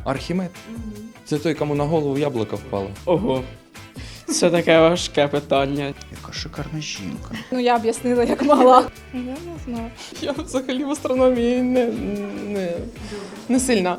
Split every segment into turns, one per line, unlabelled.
Архімед? Це той, кому на голову яблуко впало.
Ого. Це таке важке питання.
Яка шикарна жінка.
Ну, я об'яснила, як могла.
Я не знаю.
Я взагалі в астрономії не сильна.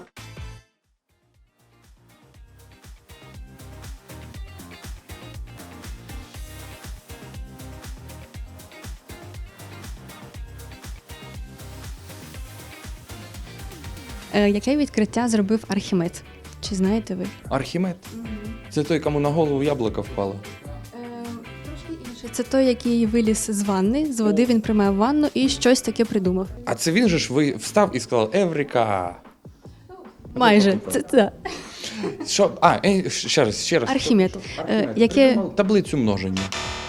Яке відкриття зробив Архімед? Чи знаєте ви?
Архімед? Це той, кому на голову яблуко впало.
Трошки інше. Це той, який виліз з ванни, з води він приймав ванну і щось таке придумав.
А це він же ж встав і сказав Еврика.
Майже. Це.
Що? Ще раз.
Архімед.
Архімед.
Яке
Придумав таблицю множення.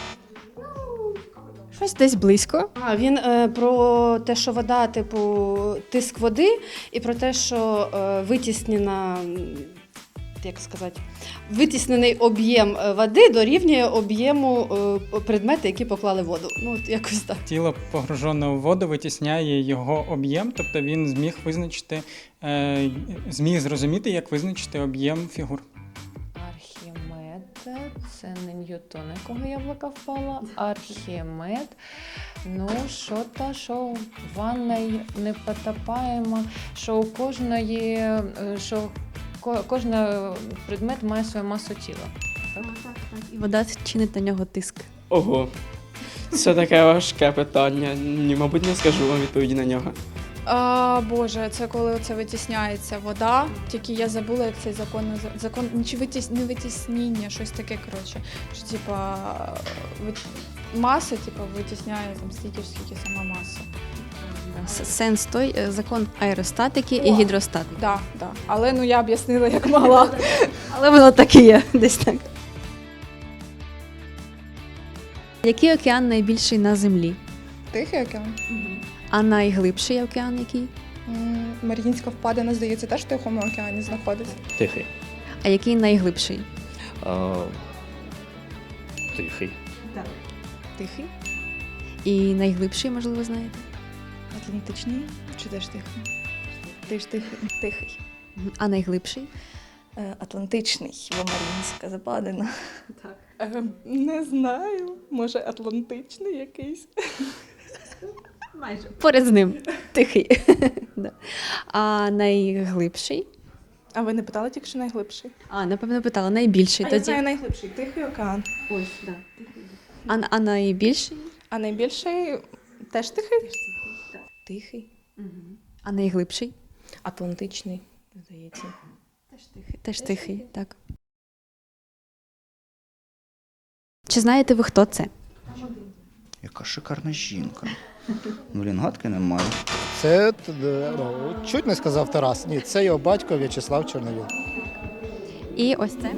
щось десь близько.
Він про те, що вода, типу, тиск води, і про те, що витіснена, як сказати, витіснений об'єм води дорівнює об'єму предмету, які поклали в воду. Ну, от якось так.
Тіло, погружене у воду, витісняє його об'єм, тобто він зміг визначити, зміг зрозуміти, як визначити об'єм фігур.
Архімед – це не Ньютон, якого яблука впала. Архімед. Ну, що в ванной не потопаємо, що у кожної, кожен предмет має свою масу тіла. Так?
І вода чинить на нього тиск.
Ого. Це таке важке питання. Ні, мабуть, не скажу вам відповіді на нього.
Боже, це коли оце витісняється вода. Тільки я забула, як цей закон чи не витіснення, щось таке, коротше. Що типа маса, типа, витісняє там стільки ж, скільки сама маса.
Сенс той закон аеростатики і гідростатики.
Да. Але ну я об'яснила, як могла.
Але воно так і є, десь так. Який океан найбільший на землі?
Тихий океан.
А найглибший океан який?
Мар'їнська впадина, здається, теж в Тихому океані знаходиться.
Тихий.
А який найглибший?
Тихий.
Тихий?
І найглибший, можливо, знаєте?
Атлантичний? Чи теж тихий? Теж тихий. Тихий.
А найглибший?
Атлантичний, бо Мар'їнська западина. Не знаю. Може, атлантичний якийсь?
Майже. Поряд з ним. Тихий. Да. А найглибший?
А ви не питали тільки, що найглибший?
Напевно, питала. Найбільший
Я
тоді.
знаю найглибший. Тихий океан.
Ось, да. А найбільший?
А найбільший теж тихий? Тихий.
А найглибший?
Атлантичний, здається.
Теж тихий, так. Чи знаєте ви, хто це?
Яка шикарна жінка. Блін, гадки немає.
Це чуть не сказав Тарас. Ні, це його батько В'ячеслав Чорновіл.
І ось це?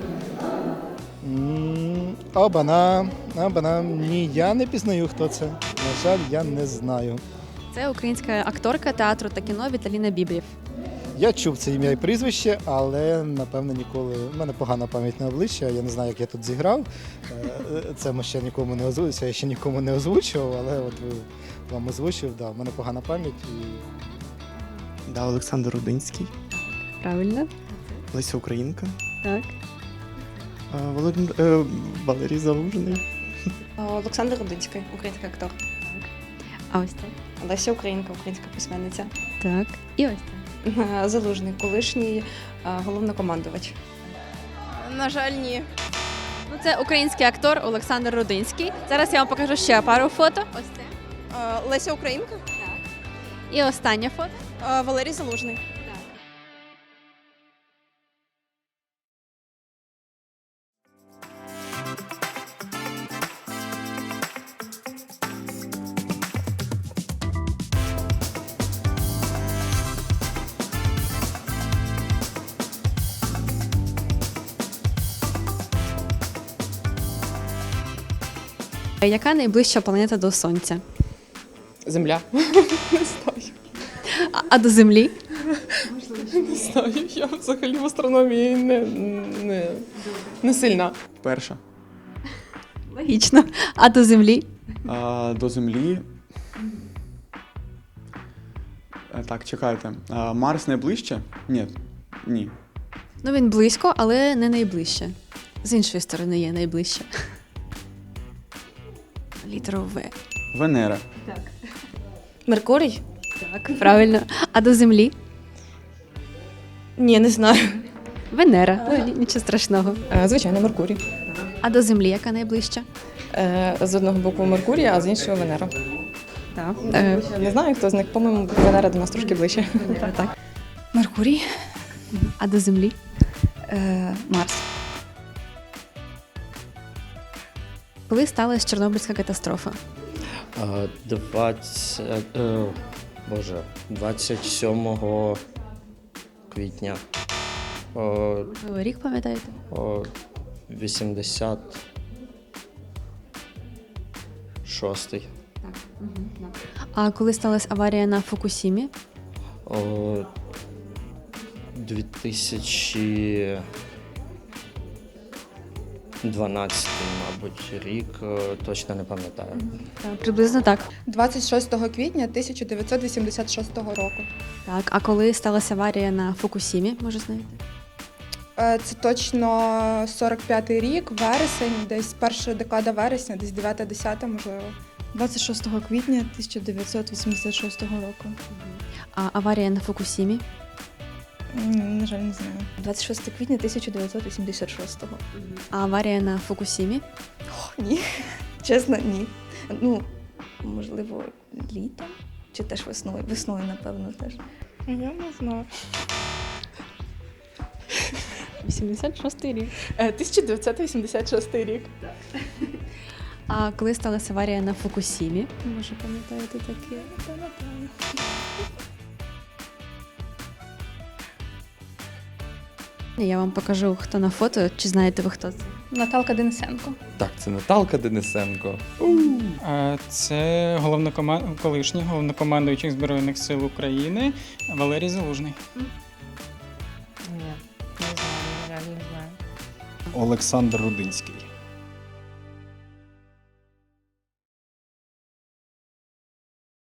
Обана. Ні, я не пізнаю, хто це. На жаль, я не знаю.
Це українська акторка театру та кіно Віталіна Бібрів.
Я чув це ім'я і прізвище, але, напевно, ніколи... У мене погана пам'ять на обличчя, я не знаю, як я тут зіграв. Це ми ще нікому не озвучив, я ще нікому не озвучував, але от вам озвучив, да, у мене погана пам'ять.
Да, Олександр Рудинський,
Правильно?
Леся Українка,
Так.
Валерій Залужний.
Олександр Рудинський, український актор.
А ось це?
Леся Українка, українська письменниця.
Так. І ось це?
Залужний, колишній головнокомандувач.
На жаль, ні.
Ну, це український актор Олександр Рудинський. Зараз я вам покажу ще пару фото. Ось це.
Леся Українка?
І останнє фото.
Валерій Залужний.
Яка найближча планета до Сонця?
Земля.
А до Землі?
Не знаю, я взагалі в астрономії не сильна.
Перша.
Логічно. А до Землі?
До Землі. Так, чекайте. Марс найближче? Ні.
Ну, він близько, але не найближче. З іншої сторони є найближче. Літеру В.
Венера.
Меркурій?
Так, правильно. А до Землі?
Ні, не знаю.
Венера. Ну, нічого страшного.
Звичайно, Меркурій.
А до Землі яка найближча?
З одного боку Меркурій, а з іншого Венера.
Так.
Не знаю, хто з них, по-моєму, Венера до нас трошки ближче.
Так.
Меркурій,
А до Землі?
Марс.
Коли сталася Чорнобильська катастрофа?
27 квітня.
Ви рік пам'ятаєте?
86.
А коли сталася аварія на Фукусімі?
2012, мабуть, рік, точно не пам'ятаю.
Приблизно так.
26 квітня 1986 року.
Так. А коли сталася аварія на Фукусімі, може знаєте?
Це точно 45-й рік, вересень, десь перша декада вересня, десь 9-10, можливо.
26 квітня 1986 року.
А аварія на Фукусімі?
На жаль, не знаю.
26 квітня 1986.
А аварія на Фукусімі?
Ні, чесно, ні. Ну, можливо, літом? Чи теж весною? Весною, напевно, теж.
Я не знаю.
86-й рік.
1986 рік.
А коли сталася аварія на Фукусімі? Може, пам'ятаєте таке? Я вам покажу, хто на фото. Чи знаєте ви, хто це?
Наталка Денисенко.
Так, це Наталка Денисенко.
Це колишній головнокомандуючий Збройних сил України Валерій Залужний.
Ні, не знаю, реально не знаю.
Олександр Рудинський.